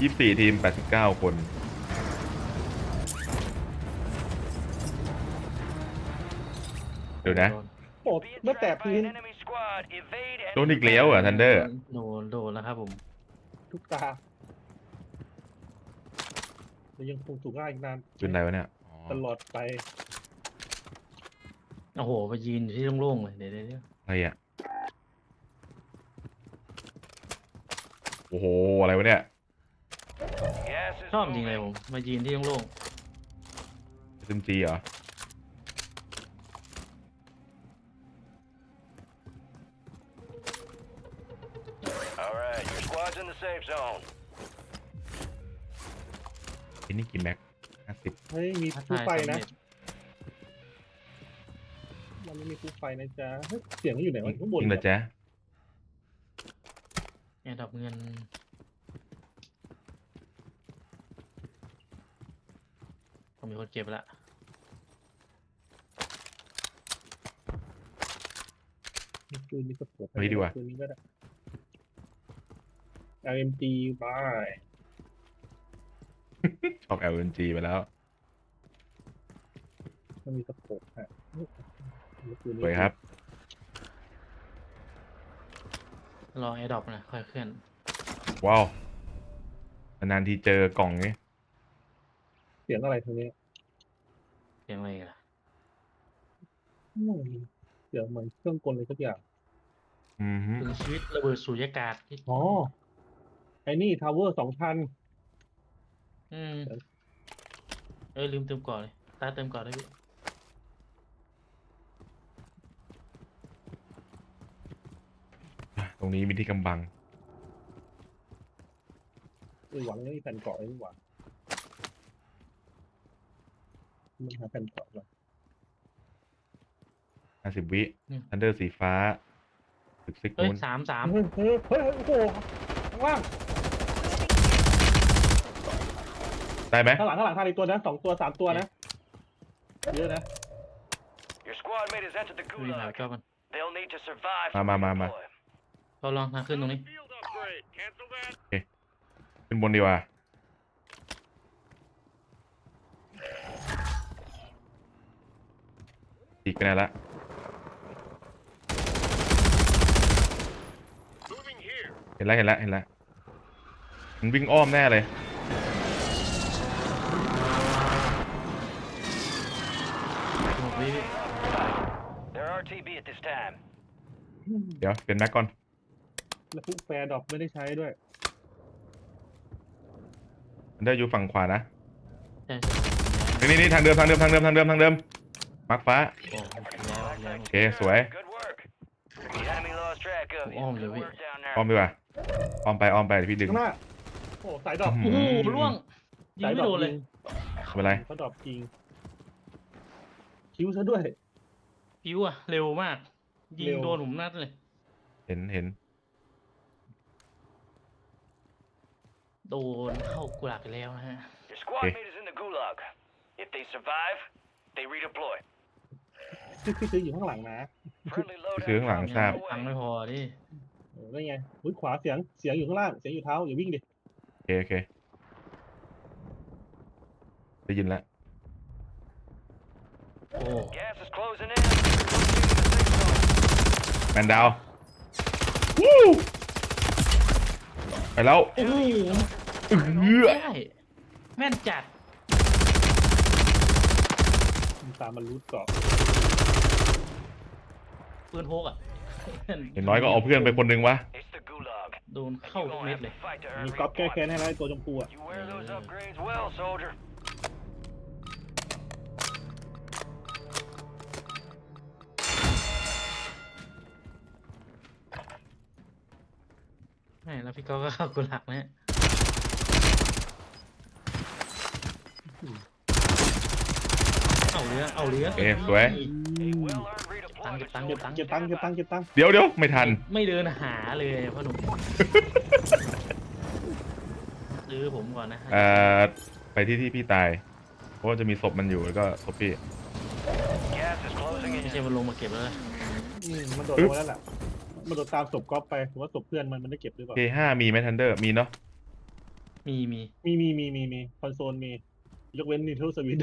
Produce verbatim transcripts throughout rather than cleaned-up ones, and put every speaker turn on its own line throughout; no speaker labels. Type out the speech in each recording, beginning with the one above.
ยี่สิบสี่ทีมแปดสิบเก้าคนเดี๋ยวนะ
โอ้เมื่อแต่พื้น
โดนอีกแล้วเหรอทันเดอร์
โดนโดนแล้วครับผม
ทุกตาเรายังคงถูกล่าอีกนาน
เป็นไรวะเนี่ยอ๋อ
ตลอดไป
โอ้โหไปยืนอยู่ที่โล่งๆเลยเดี๋ยวเดี๋ยวเดี๋ยว
อะไรอ่ะโอ้โหอะไรวะเนี่ย
ชอบจริงเลยผมมายืนที่โล่ง
เอ็มจีเหรอ
Alright, your squad's in the safe zone.
ไอ้นี่กี่แม็กห้าสิบ
เฮ้ยมี
ๆท้า
ผู้
ทาย
ไฟ
สำ
นะ
เร็จ
มันไม่มีผู้ไฟนะจ๊ะเฮ้ยเสียงมันอยู่ไหนวะข้างบน
จริงเหรอ
เหรอ
จ๊ะ
แอร์ดรอปเงินผมมีคนเก็บละ
มีปืนมีสะโพก
เฮ้ยดีกว่า
ปืนนี้ก็ได้ อาร์ เอ็ม จี บาย
ชอบ แอล เอ็น จี ไปแล้ว
มันมีสะโพกฮะมีปืน
ส
นี้
วยครับ
รอแอร์ดรอปนะค่อยเคลื่อน
ว้าวนานๆทีเจอกล่องนี้
เสียงอะไรทางนี้
เสียงอะไรกันล่ะ
อืมเสียงเหมือนเครื่องกลอะไรสักอย่าง
อืมฮึ
ถึงชีวิตระเบิดสูญญากาศที่
อ๋อ ไอ้นี่ทาวเวอร์สองพัน
อืมเอ้ยลืมเติมก่อนเลยตาเติมก่อนได้พี่
ตรงนี้มีที่กำบัง
เออหวังไม่มีแผ่นเกาะเลยนี่หว่ามันหาแผ่นเกาะก่อน
ห้าสิบวิทันเดอร์สีฟ้าตึกซิก
เอ้ย
นู้น
สามสาม
เฮ้ยเฮ้ยเฮ้ยโอ้โหข้างล่าง
ได้ไหม
ข้างหลังข้างหลังทางอีกตัวนะสองตัวสามตัวนะเยอะนะ
Your squad mate has entered the
ดูหา
gulag.
ก็มัน
They'll need to survive.
มามามามา
redeploy.
เราลองทางขึ้นตรงนี้
Field upgrade. Cancel that.
ขึ้นบนดีกว่าอีกไปไหนละ
Moving here.
เห็นแล้วเห็นแล้วเห็นแล้วมันวิ่งอ้อมแน่เลย
หกวิพี่
They're R T B at this time.
เดี๋ยวเปลี่ยนแม็กก่อน
แล้วพวกแฟร์ดรอปไม่ได้ใช้ด้วย
ทันเดอร์อยู่ฝั่งขวานะ
ใช่
นี่นี่นี่ทางเดิมทางเดิมทางเดิมทางเดิมทางเดิมมาร์คฟ้า
โอ้แล้วแล้ว
โอเคสวย
Good work. The enemy lost track of you.
Oh,
Good
Louis.
work down
อ้อม
there.
ดีกว่าอ้อมไปอ้อมไปเดี๋ยวพี่ดึง
ข้างหน้า โอ้สายดรอป
อื้
โอ้
อ
โหล่วงยิง
สาย
ไม่
ดรอ
โด
ป
นเลย
ยิง
ไม่เป็นไร
เขาดรอปจริง คิ้วซะด้วย
พิวอะเร็วมาก ยิ
เร็
ง
ว
โดนผมนัดเลย
เห็นเห็น
โดนเข้ากุหลาบไปแล้วนะฮะ
Your squad
Okay.
mate is in the gulag. If they survive, they redeploy.
ที่ที่ซื้ออยู่ข้างหลังนะ
Friendly loadout
ซื้อข้างหลัง
drops
ทราบ
on the
ตังค์
way.
ไม่พอดิ
เออได้ไงอุ้ยขวาเสียง เสียงอยู่ข้างล่าง เสียงอยู่เท้า อย่าวิ่งดิ
โอเคโอเคได้ยินแล้ว
โอ้
Gas is closing in. Relocating the safe zone.
แมนดาววู้ไปแล้ว
โอ้โห
เอื้อ
ได้แม่นจัด
มันตามมันรูดเกาะ
ปืนพกอ่ะ
อย่างน้อยก็เอาเพื่อนไปคนหนึ่งวะ
It's the gulag.
โดน
And
เข้า
you're
ทุก
gonna
เม็ด
have
เลย
to fight to
มี
earn
ก๊อปแก้แค้น
redeployment.
ให้แล้วไอ้ตัวชมพูอ่ะ
You wear those upgrades well, soldier.
แม่แล้วพี่ก็ก็เข้ากุหลาบนะฮะเอาเรื่องเอาเรื่อง
โอเคสวย
A well-earned redeployment.
เก็บตังค์
เก็บ
ตังค์
เก็บตังค์เก็บตังค์เก็บตังค์
เดี๋ยวเดี๋ยวไม่ทัน
ไม่เดินหาเลยพ่อหนุ่มซื้อผมก่อนนะฮะ
เอ่อไปที่ที่พี่ตาย เพราะว่าจะมีศพมันอยู่แล้วก็ศพพี่
Gas is closing
ไม่
in.
ใช่มันลงมาเก็บแล้วนะ
อืมมันโดดลงมาแล้วแหละมันโดดตามศพก๊อปไปผมว่าศพเพื่อนมันมันได้เก็บหรือเปล่า
เค ห้ามีไหมทันเดอร์มีเนาะ
มีมี
มีมีมีมีมีคอนโซลมียกเว้น Nintendo Switch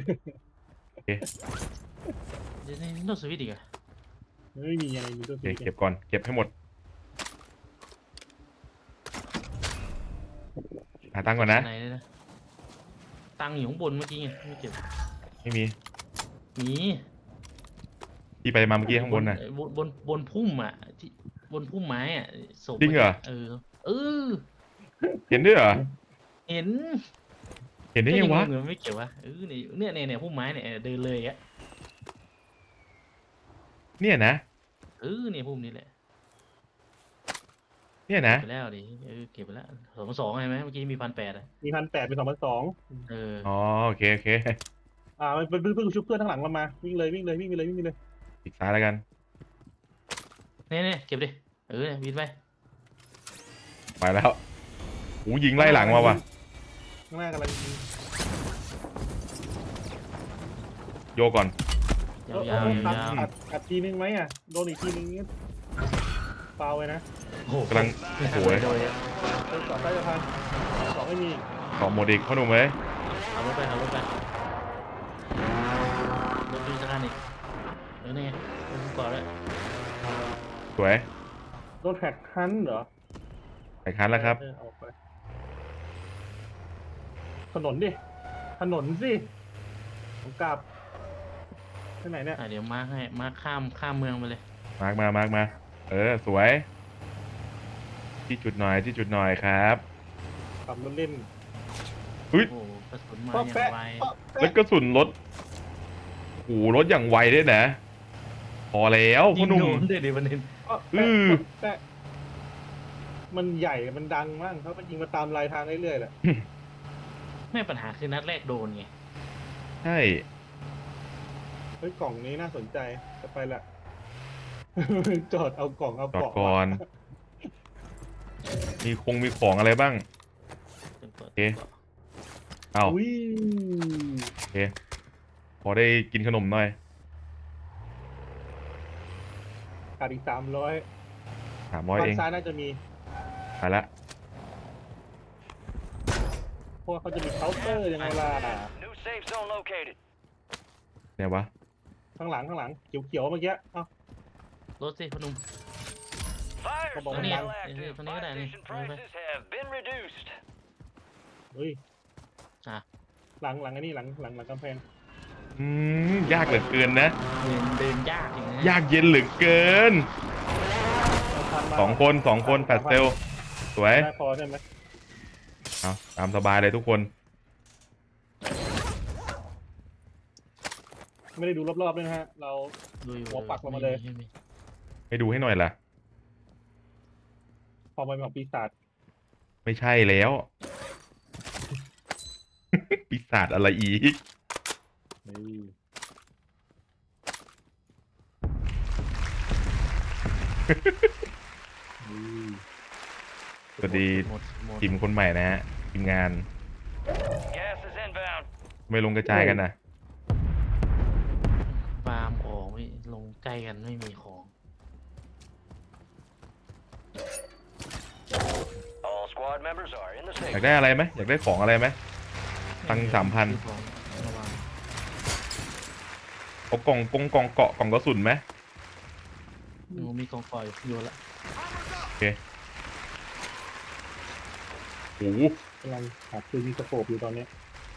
เดี๋ยวนี่โน้ตสวิตอีกอะ
ไม่มีอะไร Nintendo
โอเค
Switch
เก็บก่อนเก็บให้หมดหาตังค์ก่อนนะ
ไหนเลยนะตังค์อยู่ข้างบนเมื่อกี้ไงไม่เก็บ
ไม่มี
มี
ที่ไปมาเมื่อกี้ข้างบนน่ะ
บนบนบนพุ่มอ่ะที่บนพุ่มไม้อ่ะศพ
จริงเหรอ
เออเออ
เห็นด้วยเหรอ
เห็น
เห็นได้ยังวะ
เงินไม่เก็บวะเออเนี่ยเนี่ยเนี่ยพุ่มไม้เนี่ยเออเดินเลยอ่ะ
เนี่ยนะ
เออเนี่ยพุ่มนี้แหละ
เนี่ยนะ
เก็บไปแล้วดิเออเก็บไปแล้วสองสองใช่ไหมเมื่อกี้มีพันแปดอ่ะ
มีพันแปดเป็นสองพันสอง
เออ
อ๋อโอเคโอเค
อ่ามันเป็นเพิ่งชุบเพื่อนข้างหลังเรามาวิ่งเลยวิ่งเลยวิ่งไปเลยวิ่งไปเลย
อีกซ้ายแล้วกัน
เนี่ยเนี่ยเก็บดิเออเนี่ยวินไป
ไปแล้วโอ้ยิงไล่หลังมาว่ะ
ข้างหน้ากำลังยิง
โยก่อน
ยาว
เออ
ๆยาว
เอออัด
ยาว
อัดอัดทีนึงไหมอ่ะโดนอีกทีนึงนี่เปล่าไปนะ
โอ้โห
กำลังโอ้โห
โดยอะ
เดินก่อนใต้สะพานสองไม่มี
ต่อหมดอีกพ่อหนุ่มเอ้ย
เอารถไปเอารถไปรถดูสถานีเออนี่ไงรถก่อนเลย
สวย
โดนแท็กฮันเหรอ
ไปคันแล้วครับ
เออเอาไปถนนดิถนนสิผมกลับที่ไหนเนี่ย
อ่ะเดี๋ยวมาร์คให้มาร์คข้ามข้ามเมืองไปเลย
มาร์กมามาร์กมา เออสวย ที่จุดหน่อยที่จุดหน่อยครับ
ขับรถเล่น
เฮ้ย
โอ้โหกระสุนมา
ป๊อ
อย่าง
แปะ
ไว
ป๊อ
แล้ว
แปะ
กระสุนรถโอ้โหรถอย่างไวด้วยนะ พอแล้ว
ยิ
พ่อง หนุ่
โด
ม
นด้วยดิประเด็น
ป๊อ
อื
แปะ
อ
ป๊อแปะมันใหญ่มันดังมากเขามันยิงมาตามลายทางเรื่อยๆแหละ
แม่ปัญหาคือนัดแรกโดนไง
ใช่
เฮ้ยกล่องนี้น่าสนใจจะไปละ จอดเอากล่องเอา
จอด
เกาะ
ก่อน มีคงมีของอะไรบ้าง
จนกว่า
โอเค เอา
อุ้ย
โอเค พอได้กินขนมหน่อย
ขาดอีกสามร้อย
สามร้อย
ฝั่
เอง
งซ้ายน่าจะมี
ไปละ
เพราะว่าเขาจะมีเคาน์เตอร์ยังไงล่ะ
New safe zone located.
เนี่ยวะ
ข้างหลังข้างหลังเขียวๆเมื่อกี้เอ้าร
ถสิพอหนุ่ม
Fire
Come on,
still
man.
active.
Come on,
Buy
man.
station
Come on, man.
prices have been reduced.
เฮ้ย
อ่ะ
หลังหลังไอ้นี่หลังหลังหลังกำแพง
อืมยากเหลือเกินนะ
เดินเดินยากจริงนะ
ยากเย็นเหลือเกิน
เอาพันมา
สองคนสองคนแปดเซลลสวย
ได้พอใช่ไหม
เอาตามสบายเลยทุกคน
ไม่ได้ดูรอบๆด้วยนะฮะ เรา
ดูอยู่
หัวปักลงมาเลย
ไมี
ให้ดูให้หน่อยล่ะ
พอไปของปีศาจ
ไม่ใช่แล้ว ปีศาจอะไรอีก
เฮ้ยเฮ้ย
สวัสดี
หมดหมด
ทีมคนใหม่นะฮะทีมงาน
Gas is inbound.
ไม่ลงกระจายกันนะ
ฟาร์มของไม่ลงใกล้กันไม่มีของ
All squad members are in the
อยาก
safe.
ได้อะไรไหมอยากได้ของอะไรไหม ตังค์สามพัน
ของระวัง
เอากล่องกงกล่องเกาะกล่องกระสุนไหม
หนูมีกองกอยอยู่ละ
โอ้โห
กำลังหาปืนมีสโคปอยู่ตอนเนี้ย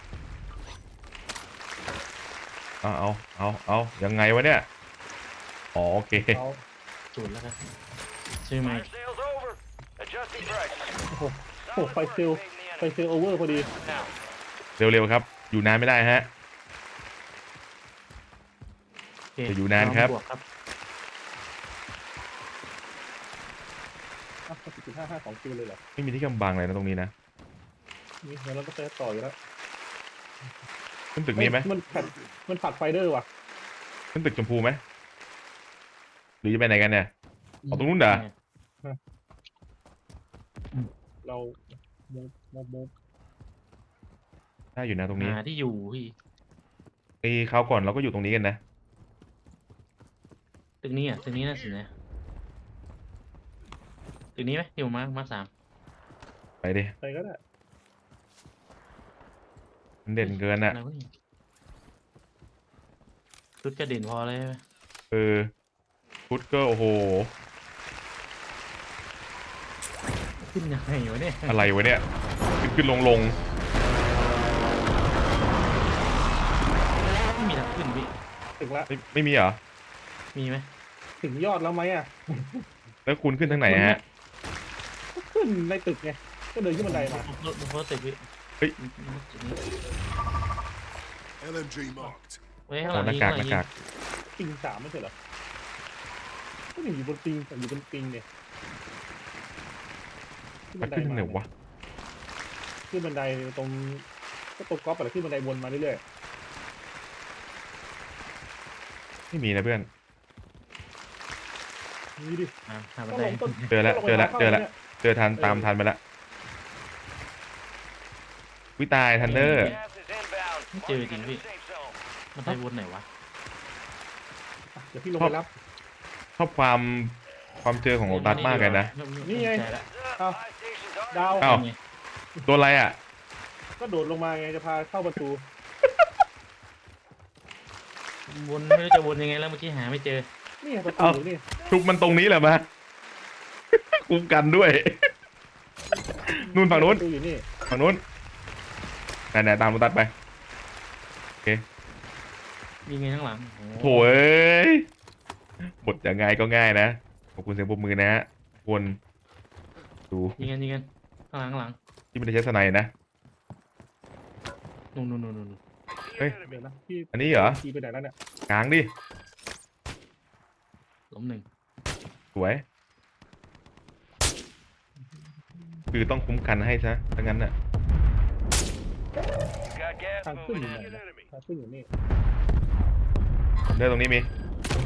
เอาเอาเอาเอายังไงวะเนี่ยอ๋อโอเค
เขา
จุดแล้วกันชื่อไหม
Fire sales over. Adjusting prices.
โอ้โหโอ้โหไฟเซลลไฟเซลลโอเวอร์พอดี
Now,
เร็วๆครับ อยู่นานไม่ได้ฮะ
โอเค
จะอยู่นานครับ
วกครับ
อ่ะสิบห้าห้าสองคิวเลยเหรอ
ไม่มีที่กำบังเลยนะตรงนี้นะ
นี่เดี๋ยวเราต้องไปต่ออยู่แล้ว
ขึ้นตึกนี้ไหม
มันแผดมันผัดไฟเดอร์ว่ะ
ขึ้นตึกชมพูไหมหรือจะไปไหนกันเนี่ยเอาตรงนู้นเหรอ
เราโมบโมบโมบ
ได้อยู่นะตรงนี้
หาที่อยู่พี่
ไอ้คราวก่อนเราก็อยู่ตรงนี้กันนะ
ตึกนี้อ่ะตึกนี้น่าสนใจตึกนี้ไหมอยู่มามาสาม
ไปดิ
ไปก็ได้
มันเด่นเกินอ่ะ
อะไรวะนี่ชุดกระเด่นพอเลยใช่ไหม
เออฟุตก็โอ้โห
ขึ้นยังไงวะเนี่ย
อะไรวะเนี่ยขึ้นขึ้นลงลง
ไม่มีทางขึ้นพี่
ถึงละ
ไม่ไม่มีเหรอ
มีไหม
ถึงยอดแล้วไหมอ่ะ
แล้วคุณขึ้นทางไหนฮะ
ก็ขึ้นในตึกไงก็เดินขึ้นบันไดมา
บนบนโพสต์ตึกพี่
เฮ้ย
จุดนี้
L M G marked.
ไว้ข้างห
โอ้
ลัง
หน้า
ยิง
กาก
ข้าง
ห
หลั
น้าง
ยิ
กาง ก
ปิงสามไม่ใช่เหรอก็หนึ่งอยู่บนปิงแต่อยู่บนปิงเนี่ยขึ้น
มั
บั
น
นได
ขึ้นทางไหน
มาว
ะ
ขึ้นบันไดตรงก็ตรงก๊อปอะไรขึ้นบันไดวนมาเรื่อย
ไม่มีนะเพื่อน
ๆนี่ดิ
อ่าหาบัน
ก็
ได
ลงต้น
เจอแล้ว
ก็งไป
เจอแล้ว
ทาง
เจอแล้ว
ข้านี่ย
เจอทันตามทันไปแล้ววิตายทันเดอร์
Gas is inbound.
Cái trời
Marking
thì
a new
bị-
safe zone.
บันไดวนไหนวะ
อ่ะเดี๋ยวพี่ลงไปรับ
ชอบความความเจอของโอตัสมากเลยนะ
นี่ไง
ใช่ละ
อ้าว
Five stations are
ดาว
อ้าว
ไง
โดนอะไรอ่ะ
ก็โดดลงมาไงจะพาเข้าประตู
วนไม่รู้จะวนยังไงแล้วเมื่อกี้หาไม่เจอ
นี่ไงประตู
เอ้า
อยู่นี่
ทุกมันตรงนี้แหละมา คุ้มกันด้วย นู่นฝั่งนู้น
ประตูอยู่นี่
ฝั่งนู้นไหนๆตามโอตัสไป
ยิงไงข้างหลังโอ้
โถ่เอ้ยบทยังไงก็ง่ายนะ ขอบคุณเสียงปรบมือนะฮะคนดู
ยิงกันยิงกันข้างหลังข้างหลัง
ที่ไม่ได้ใช้สไนด์นะ
นู่นนู่นนู่นนู่น
เฮ้ย
เดี๋ยวนะพี่
อันนี้เหรอ
ขี่ไปไหนแล้วเนี่ย
กลางดิ
ล้มหนึ่ง
สวย คือต้องคุ้มกันให้ซะถ้างั้นน่ะ
got gas
ทางขึ้นอยู่
moving
ไหน
in.
นะทางขึ้นอยู่นี่
เดินตรงนี้มี
Enemies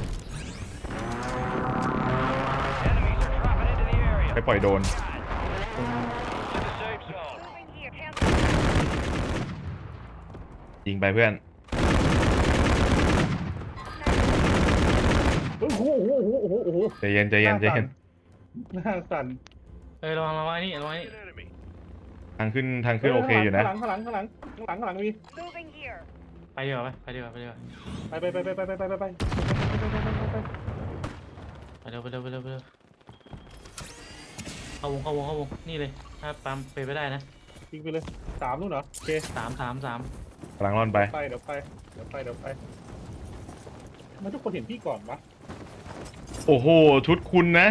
are dropping into the area.
ไปปล่อยโดน
To the safe zone.
ยิงไปเพื่อน
โอ้โหโอ้โหโอ้โหโอ้โห
ใจเย็นใจเย็นใจเย็น
หน้าสั่น
เอ้ยระวังระวังไอ้นี่ระวังไอ้นี่
ทางขึ้นทางขึ้นโอเคอยู่นะ
ข้างหลังข้างหลังข้างหลังข้างหลังข้างหลังมี
Moving here.
ไปดีกว่าไปไปดีกว่าไปดีกว่า
ไปไปไปไปไปไปไปไปไปไป
ไปเร็วไปเร็วไปเร็วไปเร็วเข้าวงเข้าวงเข้าวงนี่เลยถ้าปั๊มไปไม่ได้นะ
ยิงไปเลยสามนู่นเหรอโอเค
สามสามสาม
กำลังร่อนไป
ไปเดี๋ยวไปเดี๋ยวไปเดี๋ยวไปทำไมันทุกคนเห็นพี่ก่อนวะ
โอ้โห ชุดคุณนะ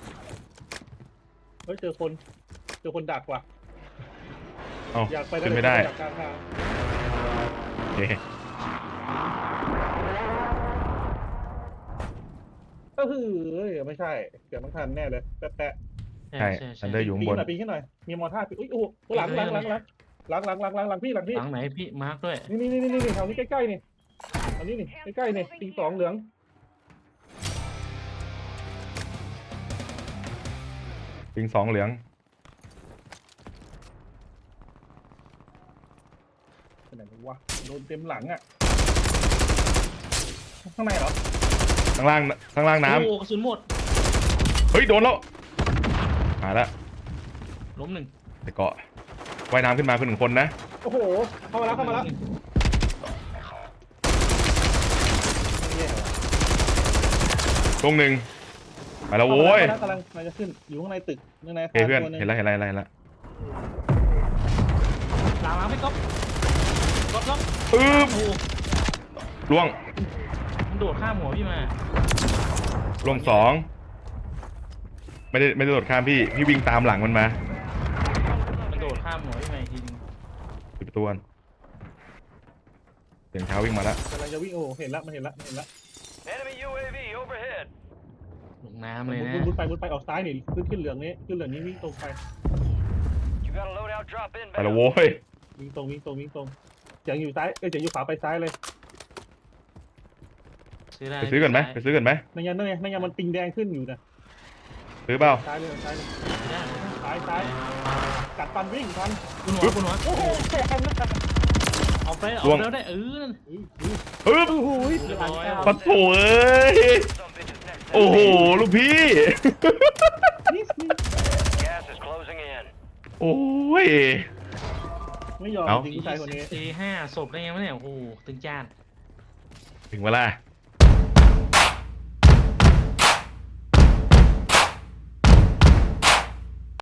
เฮ้ยเจอคนเจอคนดักว่ะ
เอ้า
อยากไป
ขึ้นไม่ได้
อยากกลางทาง
โอเค
ก็คือเอ้ยไม่ใช่เกือบต้องทันแน่เลยแปะแปะ
ใช่ทันเดอร์อยู่
ปี
ข้างบ
น
น
หน่อยปีนขึ้นหน่อยมีมอท่าปีอุ้ยโอ้โหหลังหลังหลังหลังหลังหลังหลังหลังหลังพี่หลังพี่
หลังไหนพี่มาร์คด้วย
นี่นี่นี่นี่นี่แถวนี้ใกล้ๆนี่อันนี้นี่ใกล้ๆนี่ปิงสองเหลือง
ปิงสองเหลือง
ไปไหนวะโดนเต็มหลังอ่ะข้างในเหรอ
ข้างล่างข้างล่างน้
โอ้กระสุนหมด
ำเฮ้ย โดนแล้วมาแล้ว
ล้มหนึ่ง
แต่เกาะว่ายน้ำขึ้นมาคือหนึ่งคนนะ
โอ้โหเข้ามาแล้วเข้ามาแล้วเนี่ย
ตรงหนึ่งไปแล้วโว้ย
กำลังกำลังจะขึ้นอยู่ข้างในตึกข้างใน
โอเคเพื่อน เห็นแล้วเห็นแล้วเห็นแล้วเห็นแล้ว
หลังหลังไม่ก๊อปก๊อปก๊อป
อึ๊บ
โอ้
ล่วง
มันโดดข้ามหัวพี่มา
ล่วงสองไม่ได้ไม่ได้โดดข้ามพี่ พี่วิ่งตามหลังมันมา
มันโดดข้ามหัวพี่มาอีกทีนึง
ปิดประตูก่อนเสียงเท้าวิ่งมาแล้ว
กำลังจะวิ่งโอ้โหเห็นละมันเห็นละมันเห็นละ
Enemy U A V overhead.
ลงน้ำเลยนะ
บุญบุญไปบุญไปออกซ้ายนี่ขึ้นขึ้นเหลืองนี้ขึ้นเหลืองนี้วิ่งตรงไป
You got a loadout drop
ไปแล้ว
inbound.
โว้ย
วิ่งตรงวิ่งตรงวิ่งตรงเสียงอยู่ซ้ายเอ้ยเสียงอยู่ขวาไปซ้ายเลย
ซื้อได้
ไปซื้อกันไหมไปซื้อกันไหม
นั่นยังนั่นไงนั่นยังมันปิงแดงขึ้นอยู่นะ
ซื้อเปล่า
ซ้ายเลยซ้ายเลย
ซื้อได้
ซ้ายซ้ายกัดฟันวิ่งทัน
คุณหัวคุณหัว
โอ้โหแซงนะ
เอาไปเอาแล้วได้เออนั่น
อุ้ยอุ้ย
อึ๊บ
โอ้โห
เรียบร้อย
ปัดโถเอ้ย
Some bitches next.
โอ้โห ลูกพี่
นิดนิด
Gas is closing in.
โอ้ย
ไม่ยอม
เอ้า
จริงผู้ชายคนนี้
ตีห้าศพได้ไงวะเนี่ยโอ้โหตึงจ้าน
ถึงเวลา